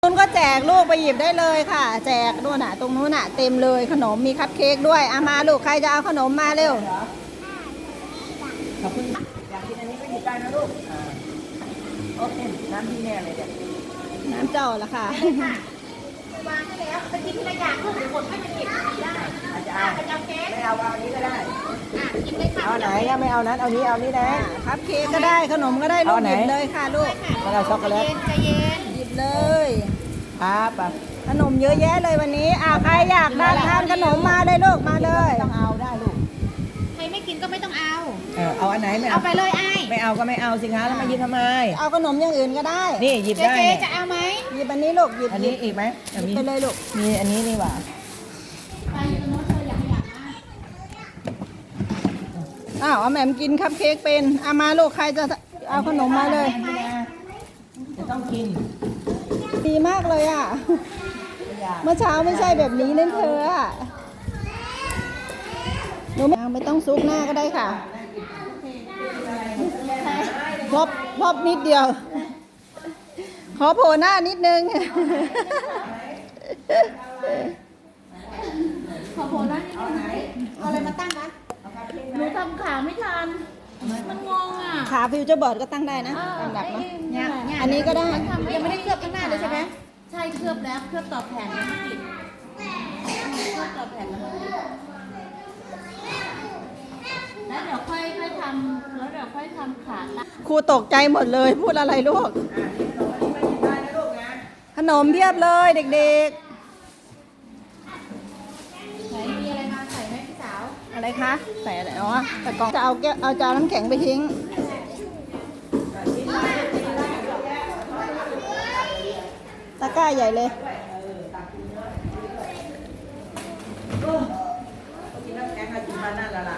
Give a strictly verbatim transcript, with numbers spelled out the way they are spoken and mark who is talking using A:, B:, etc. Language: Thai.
A: นู้นก็แจกลูกไปหยิบได้เลยค่ะแจกนู่นน่ะตรงนู้นน่ะเต็มเลยขนมมีคัพเค้กด้วยอามาลูกใครจะเอาขนมมาเร็ว
B: ขอบคุณอยากกินอันนี้ก็หยิบได้นะลูกโอเคน้ำพี่แน่เลยเนี่ย
A: น้ำเจ้าละค่ะ
C: วางให้แล้วไปกินทีละอย่างลูกเดี๋ยวหมดให้มันเก็บได้
B: อาจจะเอาไม่เอาเอาอันนี้ก็ได้
C: อ่ะกินเลยค่ะ
B: เอาไหนยังไม่เอานั้นเอานี้เอานี้นะ
A: คัพเค้กก็ได้ขนมก็ได้ลูกหยิบเลยค่ะลูก
B: แล้วเอาช็อกโกแลต
C: ใจเย็น
A: หยิบเลย
B: ครับ
A: ขนมเยอะแยะเลยวันนี้อ่าใครอยากได้ทานขนมมาเลยลูกมาเลย
B: ต้องเอาได้ลูก
C: ใครไม่กินก็ไม่ต้องเอา
B: เออเอาอันไหนไม่
C: เอาไปเลยไอ้
B: ไม่เอาก็ไม่เอาสิคะแล้วมายินทำไม
A: เอาขนมอย่างอื่นก็ได้
B: นี่หยิบได้
C: เจ๊จะเอาไหม
A: หยิบอันนี้ลูกหยิบ
B: อันนี้อีกไหม
A: ไปเลยลูก
B: มีอันนี้นี่หว่า
C: ไปตรงโน้นเธออยากอยาก
A: อ้าวแหม่มกินคัพเค้กเป็นเอามาลูกใครจะเอาขนมมาเลย
B: จะต้องกิน
A: ดีมากเลยอ่ะเมื่อเช้าไม่ใช่แบบนี้นั่นเธออ่ะหนูไม่ต้องซุกหน้าก็ได้ค่ะพบพบนิดเดียวขอโผล่หน้านิดนึง
C: ขอโผล่หน้านิดนึงเอาอะไรมาตั้งนะหนูทำขาไม่ทันมันงงอ่ะ
A: ขาฟิวเจอร์บอร์ดก็ตั้งได้นะตามหลักเนาะอันนี้ก็ได้
C: ยังไม่ได้เคลือบข้างหน้าเลยใช่ไหมใช่เคลือบแล้วเคลือบต่อแผ่นแล้วไม่ติดเคลือบต่อแผ่นแล้วแล้วเดี๋ยวค่อยค่อยทำแล้วเดี๋ยวค่อยทำขา
A: ครูตกใจหมดเลยพูดอะไรลูกขนมเพียบเลยเด็ก
C: ๆไหนมีอะไรมาใส่ไหมพี่สาว
A: อะไรคะใส่อะไรอ๋อแต่กล่องจะเอาแก้วเอาจานน้ำแข็งไปทิ้งตะกร้าใหญ่เลย
B: กินน้ำแข็งมากินมานั่นละล